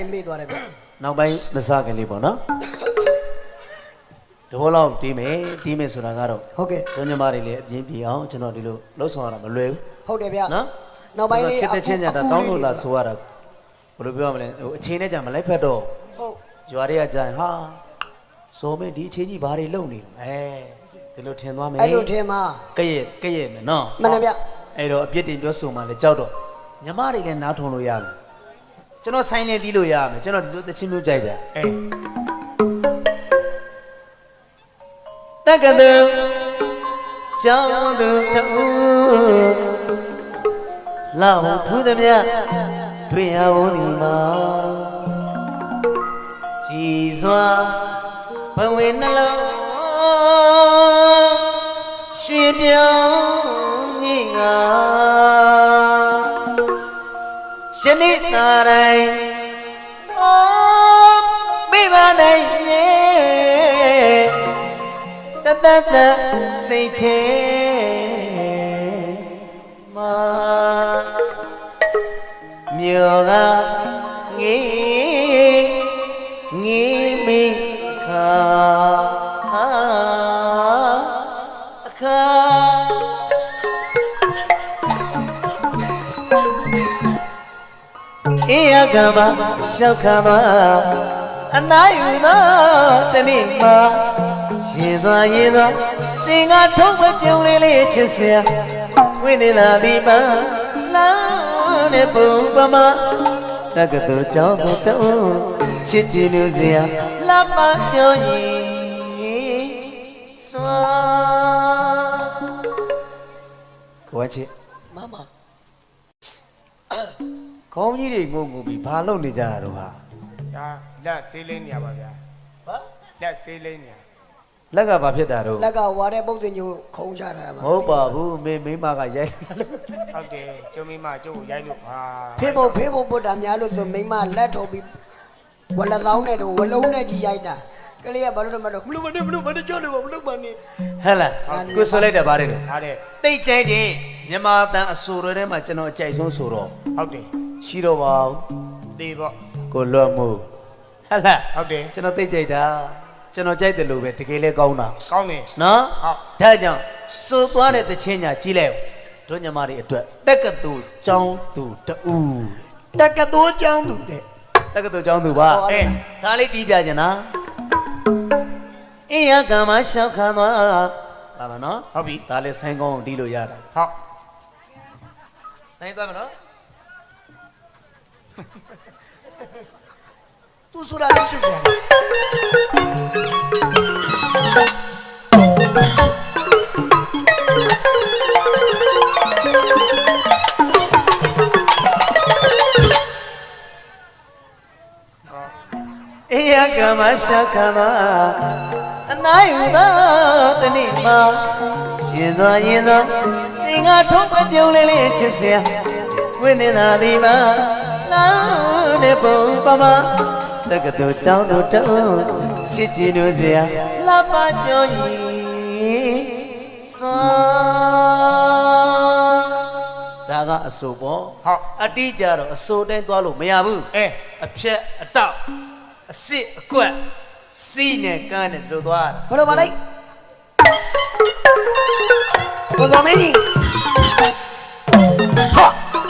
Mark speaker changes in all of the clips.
Speaker 1: မေ့သွားတယ်ဗျ
Speaker 2: နောက်ပိုင်းမစားခင်လေးပေါ့နော်တဘောလောက်တီးမယ်ဆိုတာကတော့
Speaker 1: ဟုတ်ကဲ့
Speaker 2: တို့ညီမတွေလည်းအပြင်းပြေအောင်ကျွန်တော်ဒီလိုလှုပ်ဆောင်ရတာမလွယ်ဘူး
Speaker 1: ဟုတ်တယ်ဗျ
Speaker 2: နော်
Speaker 1: နောက်ပိုင်းလေး
Speaker 2: တစ်တစ်ချင်းကြတာတောင်းလို့လာဆိုရတာဘယ်လိုပြောရမလဲဟိုအချင်းနဲ့ကြမလိုက်ဖက်တော့
Speaker 1: ဟုတ်
Speaker 2: ရွာတွေကကြရင်ဟာဆိုမင်းဒီအချင်းကြီးဘာတွေလုပ်နေလဲဒီလိုထင်သွားမယ်
Speaker 1: အဲ့လိုထင်မှာ
Speaker 2: ကဲ့မယ်နော်
Speaker 1: မှန်တယ်ဗျ
Speaker 2: အဲ့တော့အပြစ်တင်ပြောဆိုမှလည်းကြောက်တော့ညီမတွေလည်းနားထုံလို့ရမယ်ကျွန်တော်ဆိုင်လည်းတီးလို့ရမယ်ကျွန်တော်ဒီလိုသချင်းမျိုးကြိုက်တယ်တက္ကသိုလ်ကျောင်းသူတူလောက်ထူးသည်မြတွေ့ရဖို့ဒီမှာကြည်စွာဘဝင်နှလုံးရွှေပြောင်းမြင့်ငါယနေ့သာတိုင်းမိဘနိုင်ရဲ့တသက်စိတ်ထဲမှာမြောကငေးမိခါအခါအေးရကမရှောက်ခါမအနာယူသောတနေ့မှာရင်စွာစင်ကထုံးမပြုံးလေးချစ်စရာဝိသေလာဒီမှာလာတဲ့ပုံပမာတက္ကသိုလ်ကျောင်းသူတုံးချစ်ကြည်လူစရာလာမပြောရင်စွာကိုချစ်
Speaker 1: မမ
Speaker 2: ခေါင်းကြီးတွေငုံပြီးဘာလုပ်နေကြတာတော့ဟာ
Speaker 3: ဒါလက်ဆေးလေးနေရပါဗျာ
Speaker 2: ဘာ
Speaker 3: လက်ဆေးလေးနေရ
Speaker 2: လက်ကဘာဖြစ်တာတော့
Speaker 1: လက်ကဝါတဲ့ပုတ်တင်ညိုခုံချတာ
Speaker 2: မဟုတ်ပါဘူးမိမကရိုက်
Speaker 3: ဟုတ်တယ်ကျုံမိမကျုပ်ကိုရိုက်လို့ပါ
Speaker 1: ဖေးဖို့ပုတ်တာများလို့သူမိမလက်ထုတ်ပြီးဝလက်သောင်းနဲ့တော့ဝလုံးနဲ့ကြီးရိုက်တာကလေးကဘာလို့တော့မလို့မလို့မနဲ့ကြောက်လို့မလို့မနဲ့
Speaker 2: ဟဲ့လားကိုဆိုလိုက်တယ်ဗါတယ်
Speaker 3: ဟာတဲ့
Speaker 2: တိတ်ကြိုက်တယ်မြန်မာတန်အဆိုတွေထဲမှာကျွန်တော်အကြိုက်ဆုံးဆိုတော့
Speaker 3: ဟုတ်တယ်
Speaker 2: ရှိတော့ပါဘူး
Speaker 3: တေပေါ့
Speaker 2: ကိုလွတ်မှုဟဲ့လား
Speaker 3: ဟုတ်တယ်
Speaker 2: ကျွန်တော်တိတ်ကြိုက်တာကျွန်တော်ကြိုက်တယ်လို့ပဲတကယ်လဲကောင်းတာ
Speaker 3: ကောင်းတယ်
Speaker 2: နော်
Speaker 3: ဟုတ်
Speaker 2: ဒါကြောင့်စိုးသွားတဲ့တခြင်းညာကြီးလိုက်တို့ညီမတွေအတွက်တက္ကသိုလ်ကျောင်းသူတူ
Speaker 1: တက္ကသိုလ်ကျောင်းသူတဲ့
Speaker 2: တက္ကသိုလ်ကျောင်းသူပါဒါလေးတီးပြကြနာအေးရကမရှောက်ခါသွားပါမနော်
Speaker 3: ဟုတ်ပြီ
Speaker 2: ဒါလေးဆိုင်းကောင်းတီးလို့ရတာ
Speaker 3: ဟုတ်
Speaker 2: နိုင်သွားမနော်
Speaker 1: သူဆိုတာလက်ချစ်စရာ
Speaker 2: အေးရကမရှောက်ခါသွားအနာယူသောတနေ့မှာရင်စွာစင်ကထုံးမပြုံးလေးချစ်စရာဝိသေနာဒီမှာလာတဲ့ပုံပမာတက္ကသိုလ်ကျောင်းသူတုံးချစ်ကြည်လို့စရာလာပါကြောရင်စွာဒါကအဆိုပေါ့
Speaker 3: ဟုတ်
Speaker 2: အတိကြတော့အဆိုတိုင်းသွားလို့မရဘူးအဖြက်အတောက်အစစ်အကွက်စီးနဲ့ကန်းနဲ့တို့သွား
Speaker 1: ဘယ်လိုပါလိုက်ဘယ်လိုမင်းကြီးဟာ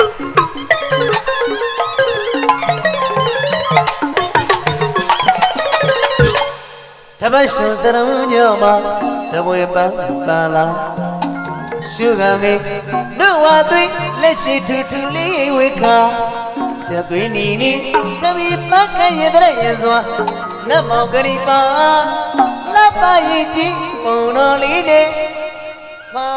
Speaker 2: တပတ်ရှုံစရုံညမှာတပွေပန်းလာရှုခံမေနှုတ်ဝသွေးလက်ရှိထူထူလေးဝေခါချက်သွေးနီတပီပတ်ခရဲ့တဲ့ရစွာနတ်မောင်ကလေးပါလက်ပါရင်ကြီးပုံတော်လေးနဲ့ပါ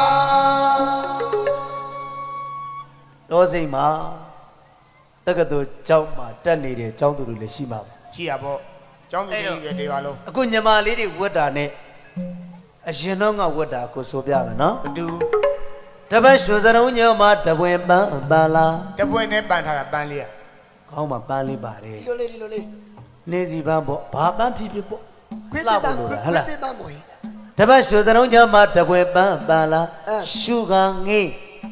Speaker 2: တော့စိတ်မှာတက္ကသိုလ်ကျောင်းမှာတက်နေတဲ့ကျောင်းသူတွေလည်းရှိမှာပါ
Speaker 3: ရှိရပေါ့ကျောင်းသူကြီးတွေဒီပါလုံး
Speaker 2: အခုညီမလေးတွေဝတ်တာနဲ့အရင်တော့ကဝတ်တာကိုဆိုပြမယ်နော်
Speaker 3: ဘတူ
Speaker 2: တပတ်ရွှေစရုံညောမှာတပွင့်ပန်းလာ
Speaker 3: တပွင့်နဲ့ပန်းထားတာပန်းလေးอ่ะ
Speaker 2: ခေါင်းမှာပန်းလေးပါတယ်
Speaker 1: ဒီလိုလေး
Speaker 2: နေစီပန်းပေါ့ဘာပန်းဖြစ်ဖြစ်ပေါ့
Speaker 1: ခွေးတက်ပန်းဟဲ့လားခွေးတက်ပန်းပေါ့
Speaker 2: တပတ်ရွှေစရုံညောမှာတပွင့်ပန်းလာရှုခံငေး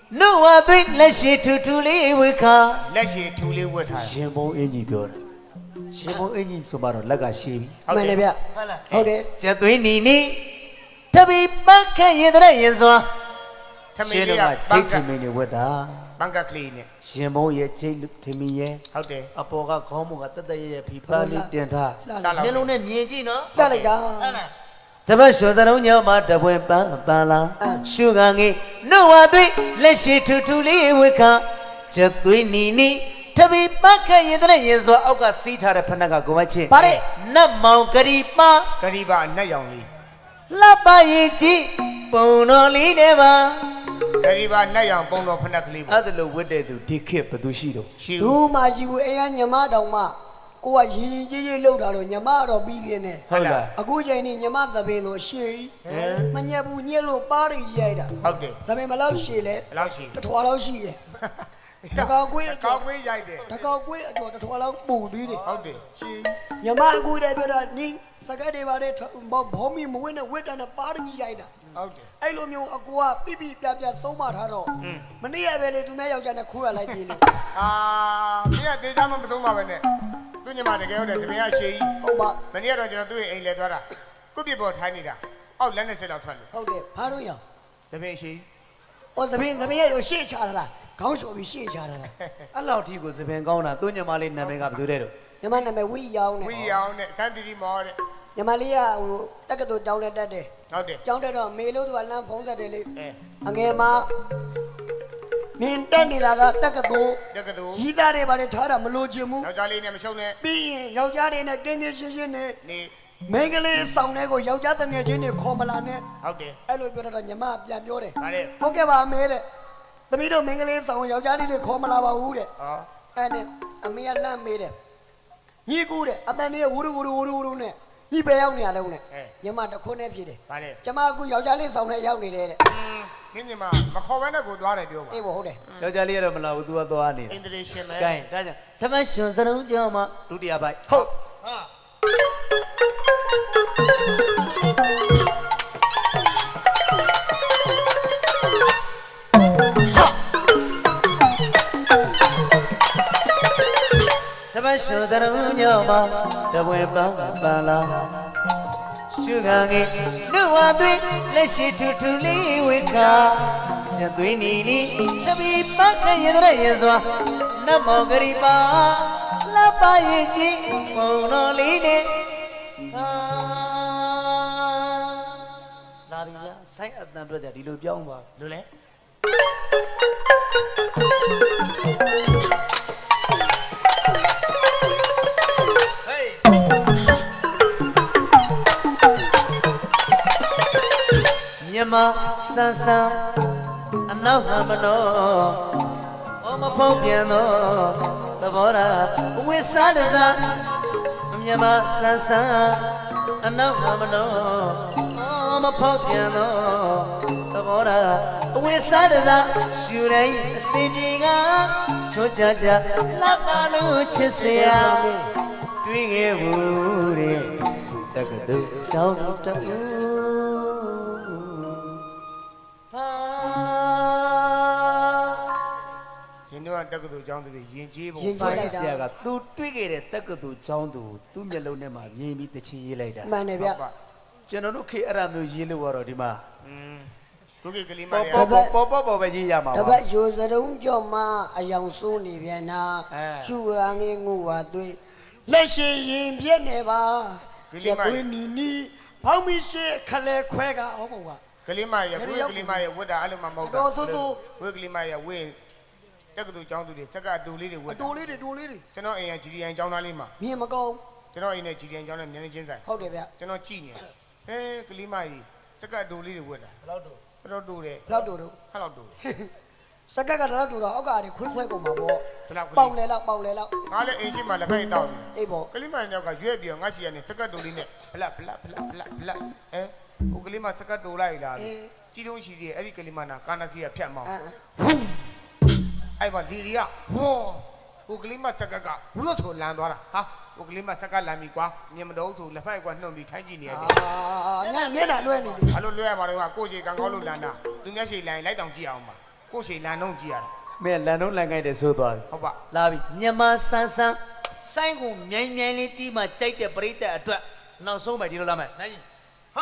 Speaker 2: နှုတ်ဝသွေးလက်ရှိထူထူလေးဝေခါ
Speaker 3: လက်ရှိထူလေးဝတ်ထားတယ်
Speaker 2: ရှင်ဘုံအင်ကြီးပြောတာရှင်ဘုံအင်ကြီးဆိုမှတော့လက်ကရှည်ပြီ
Speaker 1: မှန်တယ်ဗျ
Speaker 2: ဟုတ်လား
Speaker 1: ဟုတ်တယ်
Speaker 2: ကျက်သွေးနီနီတပီပတ်ခက်ရင်တဲ့ရင်စွာ
Speaker 3: ထမင်းလေးက
Speaker 2: ချိတ်ထမင်းတွေဝတ်တာ
Speaker 3: ဘန်ကကလေးနဲ့
Speaker 2: ရှင်ဘုံရဲ့ချိတ်ထမင်းရဲ့
Speaker 3: ဟုတ်တယ်
Speaker 2: အပေါ်ကခေါင်းမကတက်တက်ရဲ့ဖီပါလေးတင်ထား
Speaker 3: တာလောက်
Speaker 2: မျက်လုံးနဲ့မြင်ကြည့်နော်
Speaker 1: တက်လိုက်တာ
Speaker 2: တပတ်လျှော်စလုံးညောင်းမှာတပွင့်ပန်းပန်းလာရှုခံငေးနှုတ်ဝသွေးလက်ရှိထူထူလေးဝေခါချက်သွေးနီနီတပီပတ်ခက်ရင်တဲ့ရင်စွာအောက်ကစီးထားတဲ့ဖနက်ကကိုမချင်း
Speaker 1: ဗါတဲ့
Speaker 2: နတ်မောင်ဂရီပါ
Speaker 3: ဂရီပါအနက်ရောင်လေး
Speaker 2: လှပရင်ကြည့်ပုံတော်လေးနဲ့ပါ
Speaker 3: ဂရီပါနက်ရောင်ပုံတော်ဖနက်ကလေးပေါ့
Speaker 2: အဲ့ဒါလို့ဝတ်တဲ့သူဒီခေတ်ဘယ်သူရှိတော့
Speaker 3: ရှိ
Speaker 1: ဒူ
Speaker 3: ဦး
Speaker 1: မာရှိဘူးအိမ်ကညမတောင်မှကိုကရင်ရင်ကြီးကြီးလှုပ်တာတော့ညမတော့ပြီးပြင်းနေ
Speaker 2: ဟုတ်လား
Speaker 1: အခုချိန်นี่ညမသပင်လို့ရှည်
Speaker 3: ဟမ်
Speaker 1: မညက်ဘူးညက်လို့ပါးရိရိုက်တာ
Speaker 3: ဟုတ်တယ်
Speaker 1: သပင်ဘယ်လောက်ရှည်လဲ
Speaker 3: ဘယ်လောက်ရှိ
Speaker 1: တစ်ထွာလောက်ရှိတယ်တကောက်ကွေးအ
Speaker 3: ကော
Speaker 1: ကျော်
Speaker 3: က်ကွေးရိုက်တယ်
Speaker 1: တကောက်ကွေးအကျော်တစ်ထွာလောက်ပူသေးတယ်
Speaker 3: ဟုတ်တယ်ရှိ
Speaker 1: ညမအခုတည်းပြောတာနင်းစကတ်တွေပါတဲ့ဘောမီမဝင်းနဲ့ဝစ်တန်နဲ့ပါးရိရိုက်တာ
Speaker 3: ဟုတ်တယ်
Speaker 1: အဲ့လိုမျိုးအကူကပြပြပြပြသုံးမထားတော့မနေ့ကပဲလေသူများယောက်ျားနဲ့ခိုးရလိုက်ပြီလေ
Speaker 3: အာမင်းကတေးသားမသုံးပါပဲနဲ့သူညမတကယ်ဟုတ်တယ်တမင်ကရှေးကြီး
Speaker 1: ဟုတ်ပါ
Speaker 3: မနေ့ကတော့ကျွန်တော်သူ့ရဲ့အိမ်လဲသွားတာကုတ်ပြပေါ်ထိုင်းနေတာအောက်လက်နဲ့စစ်လောက်ထွက်လို့
Speaker 1: ဟုတ်တယ်ဘာလို့ရအောင်
Speaker 3: တမင်ရှေး
Speaker 1: ဩသပင်ရဲ့ရှေ့ချတာလားခေါင်းလျှော်ပြီးရှေ့ချတာလား
Speaker 2: အဲ့လောက်ထိကိုသပင်ကောင်းတာသူညမလေးနာမည်ကဘယ်သူတဲ့တော့
Speaker 1: ညီမနာမည်ဝီရောင်းနဲ့
Speaker 3: ဝီရောင်နဲ့စမ်းတီတီမောတဲ့
Speaker 1: ညီမလေးကဟိုတက္ကသိုလ်ကျောင်းတက်တယ်
Speaker 3: ဟုတ်တယ်
Speaker 1: ကျောင်းတက်တော့မေလို့သူကလမ်းဖုံးဆက်တယ်လေ
Speaker 3: အဲ
Speaker 1: အငယ်မနင်းတက်နေလာကတက္ကသိုလ်
Speaker 3: တက္ကသိုလ်
Speaker 1: ကြီးသားတွေပါလေထားတာမလို့ချင်ဘူး
Speaker 3: ယောက်ျားလေးနဲ့မရှုံးနဲ့
Speaker 1: ပြီးရင်ယောက်ျားတွေနဲ့တင်းတင်းရှင်းရှင်းနဲ့
Speaker 3: နေ
Speaker 1: မိန်းကလေးဆောင်တဲ့ကိုယောက်ျားတငယ်ချင်းတွေခေါ်မလာနဲ့
Speaker 3: ဟုတ်တယ်
Speaker 1: အဲ့လိုပြောတော့ညီမပြန်ပြောတယ်
Speaker 3: ဒါနဲ့
Speaker 1: ဟုတ်ကဲ့ပါအမေတဲ့သမီးတို့မိန်းကလေးဆောင်ယောက်ျားလေးတွေခေါ်မလာပါဘူးတဲ့
Speaker 3: ဟော
Speaker 1: အဲ့နဲ့အမေကလမ်းမေးတယ်ညီကူတဲ့အတန်လေးဝူရူနဲ့ညီပဲရောက်နေရလုံးနဲ့ညီမတခွန်းနဲ့ဖြစ်တယ်
Speaker 3: ဒါနဲ့
Speaker 1: ကျမအခုယောက်ျားလေးဆောင်နဲ့ရောက်နေတယ်တဲ့
Speaker 3: မင်းညီမမခေါ်ဘဲနဲ့ကိုသွားတယ်ပြောပါ
Speaker 1: အေးဘောဟုတ်တယ်
Speaker 2: ယောက်ျားလေးကတော့မလာဘူးသူကသွားနေ
Speaker 3: အ
Speaker 2: တယ်
Speaker 3: င်တရီရှင်ပဲ
Speaker 2: ကဲဒါကြောင့်တပတ်လျှော်စလုံးညောင်းမှာဒုတိယပိုက်
Speaker 1: ဟုတ်
Speaker 3: ဟာ
Speaker 2: တပတ်လျှော်စလုံးညောင်းမှာတပွင့်ပန်းပန်းလာရှုခံငေးနှုတ်ဝသွေးလက်ရှိထူထူလေးဝေခါချက်သွေးနီနီတပီပတ်ခက်ရင်တဲ့ရင်စွာနတ်မောင်ဂရီပါလှပရင်ကြည့်ပုံတော်လေးနဲ့လာပြီဗျာဆိုင်အတန်အတွက်ကြဒီလိုပြောင်းပါ
Speaker 3: လို့လေ
Speaker 2: ဟေးမြမဆန်းဆန်းအနောက်ဟမနောဩမဖုံးပြန်သောသဘောရာဝိစားတစားမြမဆန်းဆန်းအနောက်ဟမနောဩမဖုံးပြန်သောသဘောရာဝိစားတစားရှူတိုင်းအစီပြေကချွတ်ကြကြလှပလို့ချစ်စရာတွေ့ခဲ့ဘူးတဲ့တက္ကသိုလ်ကျောင်းတူဟာ
Speaker 3: ရှင်တို့ကတက္ကသိုလ်ကျောင်းသူတွေယဉ်ကျေးပုံ
Speaker 1: ယဉ်ကျေး
Speaker 2: ဖိုင်
Speaker 1: လိုက်
Speaker 2: ဆ
Speaker 1: တာ
Speaker 2: ရာကသူတွေ့ခဲ့တဲ့တက္ကသိုလ်ကျောင်းသူသူ့မျက်လုံးထဲမှာမြင်ပြီးတချင်ရေးလိုက်တာ
Speaker 1: မှန်တယ်ဗျ
Speaker 2: ကျွန်တော်တို့ခေအဲ့အမျိုးရေးလို့ရတော့ဒီမှာ
Speaker 3: ခုကိကလေးမ
Speaker 2: ပေါ်
Speaker 3: လေး
Speaker 2: ပေါ်ပဲရေးရမှာ
Speaker 1: တ
Speaker 2: ပါ
Speaker 1: ပတ်ယူစရုံးကြော်မအယောင်စိုးနေပြန်နာ
Speaker 2: အဲ
Speaker 1: ရှူရငေးငူဝသွေးလက်ရှိရင်ပြက်နေပါကျက်သွေးနီနီဖောင်းမိရှိခလဲခွဲကဟောပုံက
Speaker 3: ကလေးမရဲ့ကိုကလေးမရဲ့ဝတ်တာအဲ့လိုမှမဟုတ်တာ
Speaker 1: တော်ဆိုးဆိုး
Speaker 3: ဝတ်ကလေးမရဲ့ဝင်းတက္ကသိုလ်ကျောင်းသူတွေစက်ကအတူလေးတွေဝ
Speaker 1: အ
Speaker 3: တ်
Speaker 1: တိုးလေးတွေတိုးလေးတွေ
Speaker 3: ကျွန်တော်အိမ်က GDN ကျောင်းသားလေးမှာ
Speaker 1: မြင်မကောင်း
Speaker 3: ကျွန်တော်အိမ်နဲ့ GDN ကျောင်းနဲ့မျက်နှာချင်းဆိုင်
Speaker 1: ဟုတ်တယ်ဗျ
Speaker 3: ကျွန်တော်ကြည့်နေကလေးမကြီးစက်ကအတူလေးတွေဝတ်တာ
Speaker 2: ဘယ်လောက်တော့
Speaker 3: တော်တော်တူတယ်
Speaker 1: ဘလောက်တိုးတို့
Speaker 3: ဟဲ့လောက်တူ
Speaker 1: စက်ကကတော့တိုးတော့အောက်ကတွေခွေးခွဲကုန်မှာပေါ့
Speaker 3: ဘလောက်
Speaker 1: ပေါင်လေလောက်ပေါင်လေလောက်
Speaker 3: ငါလည်းအိမ်ရှိမှလက်ဖက်တောက်နေ
Speaker 1: အေးပေါ့
Speaker 3: ကလေးမယောက်ကရွက်ပြီးတော့ငါရှိရနေစက်ကတူလေးနဲ့ဖလက်ဟိုကလေးမစက်ကတူလိုက်လားကြီးတုံးရှိသေးအဲ့ဒီကလေးမနာကာနာစီကဖြတ်မောင်းအဲ့မှာလီလီကဟောဟိုကလေးမစက်ကကဘလို့ဆိုလန်သွားတာဟာဟိုကလေးမစက်ကလန်ပြီကွာမြင်မတော့ဆိုလက်ဖက်ကနှုတ်ပြီးထိုင်းကြည့်နေရတယ်
Speaker 1: ညမျက်နှာလွှဲနေပြီ
Speaker 3: ဘာလို့လွှဲရမှာလဲကကိုရှိကံကောင်းလို့လန်တာသူမျက်ရှိလိုင်းလိုက်တောင်ကြည့်အောင်ပါကိုကိုရှိလန်တော့ကြည့်ရတာ
Speaker 2: မင်းလန်တော့လန်ကိုက်တယ်ဆိုသွားပြီ
Speaker 3: ဟုတ်ပါ
Speaker 2: လာပြီမြန်မာဆန်းဆန်းစိုင်းကိုမြိုင်မြိုင်လေးတီးမှကြိုက်တဲ့ပရိသတ်အတွက်နောက်ဆုံးပဲဒီလိုလာမယ်နိုင်ဟာ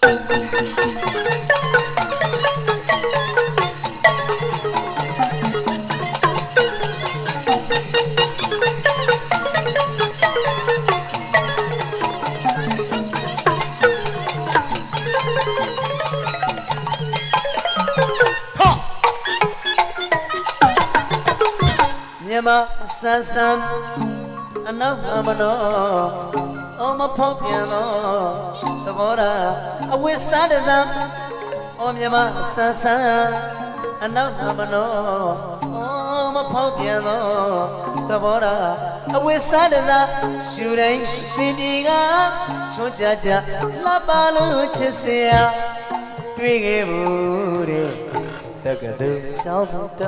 Speaker 2: မြန်မာဆန်းဆန်းအနောက်မနောအမဖောက်ပြန်တော့သဘောထားအဝိစားတစံအော်မြန်မာဆန်းဆန်းအနောက်မနောအမဖောက်ပြန်တော့သဘောထားအဝိစားတစံရှူတိုင်းစင်ပြေကချွတ်ကြကြလှပလို့ချစ်စရာတွေ့ခဲ့ဘူးတဲ့တက္ကသိုလ်ကျောင်းတူ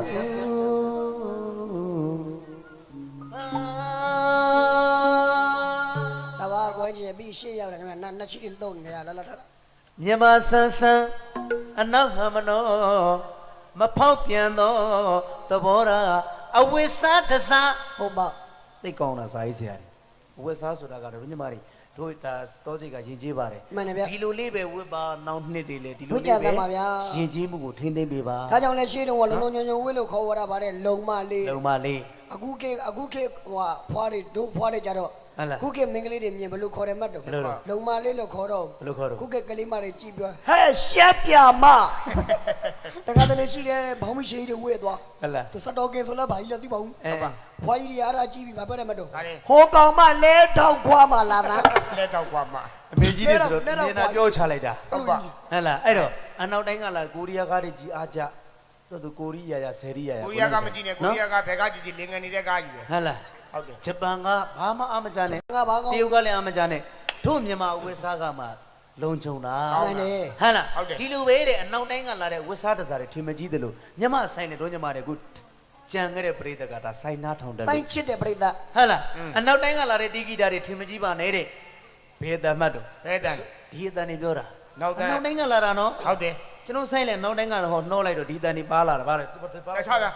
Speaker 1: ဒါပါကွယ်ကြီးပြီးရှေ့ရောက်တယ်ခင်ဗျာနှစ်ချီတုံးနေရလာလာ
Speaker 2: မြန်မာဆန်းဆန်းအနောက်ဟမနောမဖောက်ပြန်သောသဘောထားအဝိစားတစား
Speaker 1: ဟုတ်ပါ
Speaker 2: သိကောင်းတာစာရေးဆရာကြီးအဝိစားဆိုတာကတော့ညီမတွေတို့ဒါသောစိတ်ကယဉ်ကျေးပါတယ်
Speaker 1: မှန်တယ်ဗျ
Speaker 2: ဒီလိုလေးပဲဝတ်ပါနောက်နှစ်တွေလေဒီလို
Speaker 1: ဝတ်ကြ
Speaker 2: လေးပဲ
Speaker 1: သမှာဗျာ
Speaker 2: ယဉ်ကျေးမှုကိုထိန်းသိမ်းပေးပါ
Speaker 1: ဒါကြောင့်လဲရှေ့တုန်းကလုံးလုံးညုံညုံဝေးလို့ခေါ်ရတာဗါတဲ့လုံမလေး
Speaker 2: လုံမလေး
Speaker 1: အခုခေတ်ဟိုဖွားတွေတို့ဖွားတွေကြတော့
Speaker 2: ဟုတ်လား
Speaker 1: ခုခေတ်မင်္ဂလေးတွေမြင်ဘလို့ခေါ်တယ်မှတ်တော့
Speaker 2: ဘယ်လိုလဲ
Speaker 1: လုံမလေးလို့ခေါ်တော့
Speaker 2: ဘယ်လိုခေါ်တော့
Speaker 1: ခုခေတ်ကလေးမတွေကြည့်ပြောဟဲ့ရှက်ပြမတခါတလေရှိတယ်ဘောင်းမရှိတွေဝေးသွား
Speaker 2: ဟုတ်လား
Speaker 1: သူစတော်ကင်ဆိုလဲဘာကြီးလဲသိပါဘူး
Speaker 2: အဲ
Speaker 1: ဖွားကြီးတွေအားကြည့်ပြီးဘာပြောတယ်မှတ်တော့
Speaker 3: ဒါလည်း
Speaker 1: ဟိုကောင်မလဲထောက်ခွာမှလာတာ
Speaker 3: လက်တော့ကွာမ
Speaker 2: အမေကြီးတွေဆိုတော့
Speaker 1: လက်တော့
Speaker 2: နေနာပြောချလိုက်တာ
Speaker 3: ဟုတ်ပါ
Speaker 2: ဟုတ်လားအဲ့တော့အနောက်တိုင်းကလာကိုရီးယားကားတွေကြီးအားကြတို့သူကိုရီးယားရဆယ်ရီးယားရ
Speaker 3: ကိုရီးယားကမကြည့်နဲ့ကိုရီးယားကဘယ်ကကြည့်ကြည့်လင်ငယ်နေတဲ့ကားကြီးပဲ
Speaker 2: ဟုတ်လား
Speaker 3: ဟုတ်တယ်
Speaker 2: ဂျပန်ကဘာမှအမကြနဲ့
Speaker 1: ငါဘာကောင်
Speaker 2: တရုတ်ကလည်းအမကြနဲ့တို့မြန်မာဝစ်စားကမှလုံခြုံတာ
Speaker 1: နိုင်တယ်
Speaker 2: ဟုတ်လား
Speaker 3: ဟုတ်တယ်
Speaker 2: ဒီလိုပဲတဲ့အနောက်တိုင်းကလာတဲ့ဝစ်စားတစားတွေထင်မကြီးတယ်လို့မြန်မာဆိုင်နဲ့တို့မြန်မာတွေအခုကြံခဲ့တဲ့ပရိသတ်ကဒါဆိုင်နာထောင်တယ်
Speaker 1: တို
Speaker 2: လို့
Speaker 1: င်းချစ်တဲ့ပြိတ္တာ
Speaker 2: ဟုတ်လားအနောက်တိုင်းကလာတဲ့တီဂီတာတွေထင်မကြီးပါနဲ့တဲ့ဘယ်တမ်းမှတ်တော့
Speaker 3: ဘယ်တန်
Speaker 2: ဒီအတန်တွေပြောတာ
Speaker 3: နောက်တန်း
Speaker 2: အနောက်တိုင်းကလာတာနော်
Speaker 3: ဟုတ်တယ်
Speaker 2: ကျွန်တော်ဆိုင်လဲနောက်တိုင်းကတော့ဟောနှောလိုက်တော့ဒီတန်တွေပါလာတာဗါတယ်
Speaker 3: တခြားက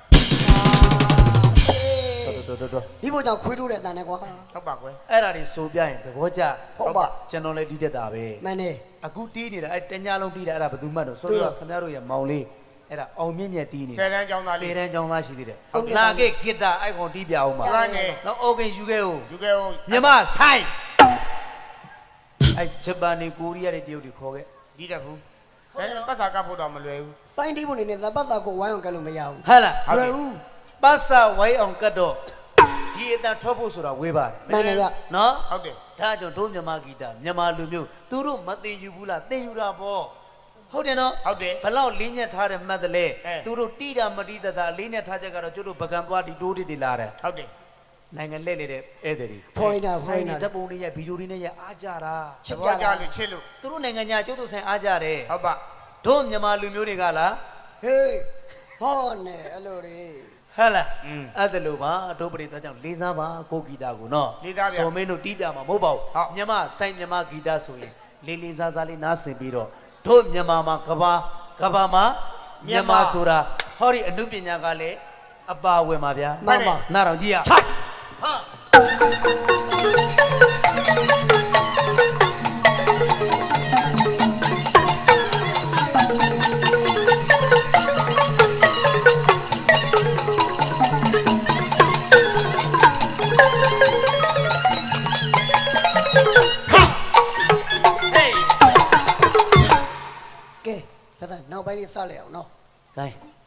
Speaker 2: တော်
Speaker 1: ဒီဘုကြောင့်ခွေးထိုးတဲ့အတန်နဲ့ကွာ
Speaker 3: ဟုတ်ပါကွယ်
Speaker 2: အဲ့ဒါတွေဆိုပြရင်သဘောကျ
Speaker 1: ဟုတ်ပါ
Speaker 2: ကျွန်တော်လည်းတီးတတ်တာပဲ
Speaker 1: မှန်တယ်
Speaker 2: အခုတီးနေတာအဲ့တညာလုံးတီးတာအဲ့ဒါဘယ်သူမှတ်တော့ဆို
Speaker 1: သိ
Speaker 2: တော့
Speaker 1: တော့
Speaker 2: ခင်ဗျားတို့ရဲ့မောင်လေးအဲ့ဒါအောင်မြင့်မြတ်တီးနေ
Speaker 3: ဆယ်တန်းကျောင်းသား
Speaker 2: စေ
Speaker 3: လေး
Speaker 2: တန်းကျောင်းသားရှိသေးတယ်
Speaker 1: ဟုတ်တယ်
Speaker 2: လာခဲ့ဂစ်တာအဲ့ကောင်တီးပြအောင်ပါ
Speaker 3: ဟုတ်တယ်
Speaker 2: နော်အိုကင်ယူခဲ့ဦး
Speaker 3: ယူခဲ့အောင်
Speaker 2: မြမဆိုင်အဲ့ဂျပန်နေကိုရီးယားတွေတရုတ်တွေခေါ်ခဲ့
Speaker 3: ဒီတက်ဘူးဒါပေမဲ့ပတ်စာကဖို့တော့မလွယ်ဘူး
Speaker 1: စိုင်းတီးဖို့နေနဲ့သပတ်သာကိုဝိုင်းအောင်ကလို့မရဘူး
Speaker 2: ဟုတ်လား
Speaker 3: ဟုတ်တယ်
Speaker 1: ဘူး
Speaker 2: ပတ်စာဝိုင်းအောင်ကတ်တော့ဒီအတန်ထွက်ဖို့ဆိုတာဝေးပါတယ်
Speaker 1: မှန်တယ်ဗျ
Speaker 2: နော်
Speaker 3: ဟုတ်တယ်
Speaker 2: ဒါကြောင့်တို့မြန်မာဂီတာမြန်မာလူမျိုးသူတို့မသိယူဘူးလားသိယူတာပေါ့ဟုတ်တယ်နော်
Speaker 3: ဟုတ်တယ်
Speaker 2: ဘလောက်လေးညက်ထားတဲ့မှတ်တယ်လေ
Speaker 3: အဲ
Speaker 2: သူတို့တိတာမတိတတာလေးညက်ထားချက်ကတော့ကျတို့ပကံသွားဒီတိုးတွေလာတယ်
Speaker 3: ဟုတ်တယ်
Speaker 2: နိုင်ငံလက်လေတဲ့ဧည့်သည်တွေ
Speaker 1: Foreigner
Speaker 2: ဆိုင်
Speaker 1: foreigner
Speaker 2: ဓာတ်ပုံတွေရဲ့ဗီဒီယိုတွေနဲ့ရဲ့အားကြတာ
Speaker 1: ချစ်
Speaker 3: သ
Speaker 1: ကြ
Speaker 3: ဘောကျ
Speaker 1: တာ
Speaker 3: လို့ချစ်လို့
Speaker 2: သူတို့နိုင်ငံညာကျတို့ဆိုင်အားကြတယ်
Speaker 3: ဟုတ်ပါ
Speaker 2: တို့မြန်မာလူမျိုးတွေကလား
Speaker 1: ဟေးဟောနဲ့အဲ့လိုတွေ
Speaker 2: ဟဲ့လား
Speaker 3: อืม
Speaker 2: အဲ့ဒါလိုပါတို့ပရိသတ်ကြောင့်လေးစားပါကိုဂီတာကိုနော်
Speaker 3: လေးစားဗျာ
Speaker 2: စော်မင်းတို့တီးပြမှာမဟုတ်ပါဘူး
Speaker 3: ဟုတ်
Speaker 2: မြန်မာဆိုင်မြန်မာဂီတာဆိုရင်လေးလေးစားစားလေးနားဆင်ပြီးတော့တို့မြန်မာမှာကဘာမှာမြန်မာဆိုတာဟောဒီအမှုပညာကလည်းအပါဝင်ပါဗျာ
Speaker 1: မှန်ပါ
Speaker 2: နားတော်ကြည့်ရဟာ
Speaker 1: ကဲဒါသာနောက်ပိုင်းလေးစလိုက်အောင်နော်
Speaker 2: ကဲ